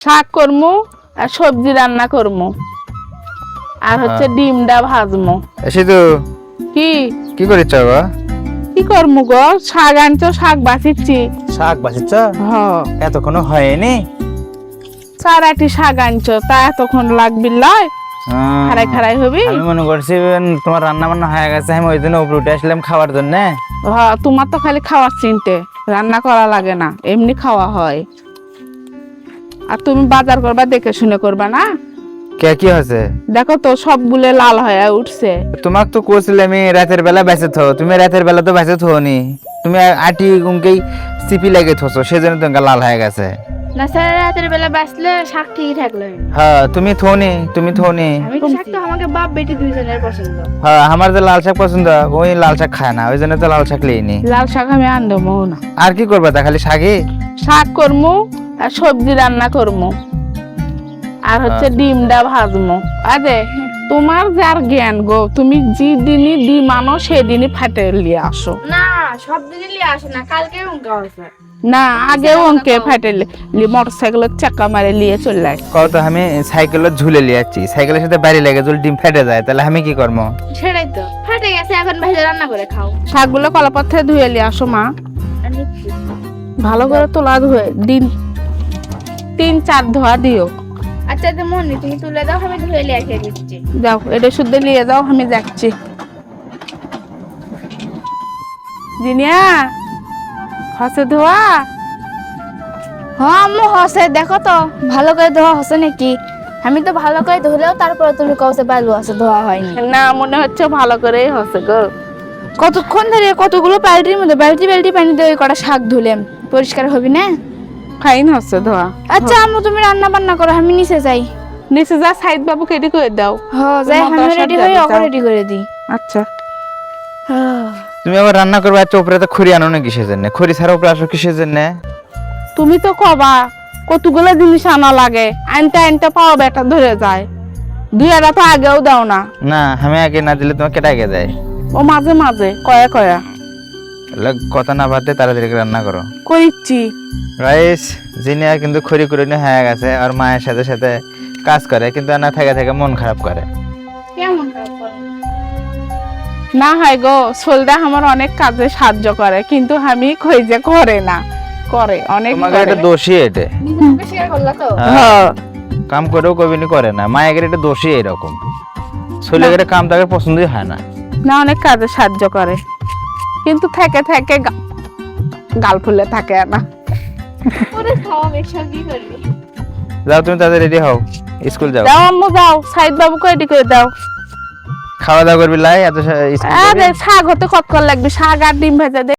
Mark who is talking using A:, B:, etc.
A: শাক করমু আর সবজি রান্না করমু আর হচ্ছে ডিমটা ভাজমু।
B: এসে তো
A: কি
B: কি করিস গো?
A: কি করমু গো? শাক আনছো, শাক বাছিচ্ছি।
B: শাক বাছিস?
A: হ,
B: এতক্ষণ হয়নি?
A: 4-8টি শাক আনছো, তা এতক্ষণ লাগবি লয়? খারাই খারাই হবি।
B: আমি মনে করছি তোমার রান্না বান্না হয়ে গেছে, আমি ওই জন্য উপরে উঠে আসলাম খাওয়ার জন্য।
A: হ্যাঁ, তোমার তো খালি খাওয়ার চিনতে, রান্না করা লাগে না, এমনি খাওয়া হয়। আর তুমি বাজার করবা, দেখে শুনে করবা না।
B: কে কি হয়েছে?
A: দেখো তো সবগুলো লাল হয়ে উঠছে।
B: তোমাক তো কইছিলে আমি রাতের বেলা বেঁচে থো, তুমি রাতের বেলা তো বেঁচে থোনি, তুমি আটি গুমকেই সিপি লাগে থোছো, সেজন্য তোমার লাল হয়ে গেছে।
C: না স্যার, রাতের বেলা বাঁচলে শাক ঠিকই থাকলো।
B: হ্যাঁ তুমি থোনি, তুমি থোনি।
C: আমি শাক তো আমাকে বাপ বেটি দুইজনের পছন্দ।
B: হ্যাঁ আমার যে লাল শাক পছন্দ, ওই লাল শাক খায় না, ওই জন্য তো লাল শাক লিনি।
A: লাল শাক আমি আনবো না।
B: আর কি করবা তা, খালি শাকই?
A: শাক করমু আর সবজি রান্না করমু আর হচ্ছে ডিমটা ভাজমু। আরে তোমার যার জ্ঞান গো, তুমি যে দিনই ডিম আনো সেদিনই ফাটে লিয়ে আসো।
C: না, সব দিনই লিয়ে আসে না, কালকে উনকা আছে।
A: না, আগেও অঙ্কে ফাটে মোটরসাইকেলের চাকা মারে লিয়ে চলে আসে।
B: কত আমি সাইকেলের ঝুলে লিয়াচ্ছি, সাইকেলের সাথে বাড়ি লেগে যদি ডিম ফেটে যায় তাহলে আমি কি করবো?
C: সেটাই তো, ফেটে গেছে, এখন ভেজে রান্না করে খাও।
A: শাকগুলো কলাপাত্রে ধুয়ে লিয়ে আসো মা,
C: আমি
A: ভালো করে তোলা ধুয়ে দিন 3-4 ধোয়া দিও।
C: আচ্ছা তো মনি, তুমি তুলে দাও, আমি ধুয়ে লিয়ে এসে দিচ্ছি।
A: যাও, এটা শুদ্ধ নিয়ে যাও, আমি যাচ্ছি। জিনিয়া হসে ধোয়া?
C: হ্যাঁ আম্মু হসে, দেখো তো ভালো করে ধোয়া হসে নাকি। আমি তো ভালো করে ধুলেও তারপরে তুমি কওছে বালু আছে, ধোয়া হয়নি।
A: না, মনে হচ্ছে ভালো করেই হসে গো।
C: কতক্ষণ ধরে কতগুলো বালতির মধ্যে বালতি বালতি পানি দিয়ে কটা শাক ধুলেম, পরিষ্কার হবি না?
A: ফাইন হচ্ছে ধোয়া।
C: আচ্ছা আম্মু, তুমি রান্না বান্না করো, আমি নিচে যাই।
A: নিচে যা, সাইদ বাবু কেটে করে দাও।
C: হ্যাঁ যাই, আমি
A: তোমার
C: রেডি
A: বাসার
C: হই,
A: যাবে,
C: ওকে
A: যাও।
C: রেডি করে দিই।
A: আচ্ছা,
B: তুমি আবার রান্না করবে, আর উপরে তো খড়ি আনো না কিসের জন্য? খড়ি ছাড়া উপরে আসো কিসের জন্য?
A: তুমি তো কবা কতগুলো জিনিস আনা লাগে, আনতে আনতে পাওয়া বেটা ধরে যায়। দুইটা তো আগেও দাও না।
B: না আমি আগে না দিলে তোমাকে কেটে আগে দেয়।
A: ও মাঝে মাঝে কয়া কয়া
B: কথা না বাদে তাড়াতাড়ি করে রান্না করো।
A: করিচ্ছি।
B: রাইস জিনিয়া কিন্তু খড়ি করে নিয়ে হয়ে গেছে, আর মায়ের সাথে সাথে কাজ করে, কিন্তু না থেকে থেকে মন খারাপ করে।
C: কেমন খারাপ করো?
A: না হয় গো, সোলদা আমার অনেক কাজে সাহায্য করে, কিন্তু আমি কই যে করে না, করে অনেক
B: তোমাকে
A: করে।
B: একটা দোষী এটা।
C: নিজেকে শেয়ার করলা তো?
A: হ্যাঁ,
B: কাম করেও কবিনি করে না, মায়ের একটা দোষী এরকম। ছেলেদের কাম তাকে পছন্দই হয় না।
A: না, অনেক কাজে সাহায্য করে, কিন্তু থেকে থেকে গাল ফুলে থাকে না।
C: ওরে খাওয়া বেশি কি করবি?
B: যাও তুমি তাদের রেডি হও, স্কুল যাও।
A: যাও আম্মু যাও, সাইদ বাবুকে রেডি করে দাও।
B: খাওয়া দাওয়া করবি লাই এত স্কুল
A: আরে শাক হতে কতক্ষণ লাগবে, শাক আর ডিম ভেজে দে।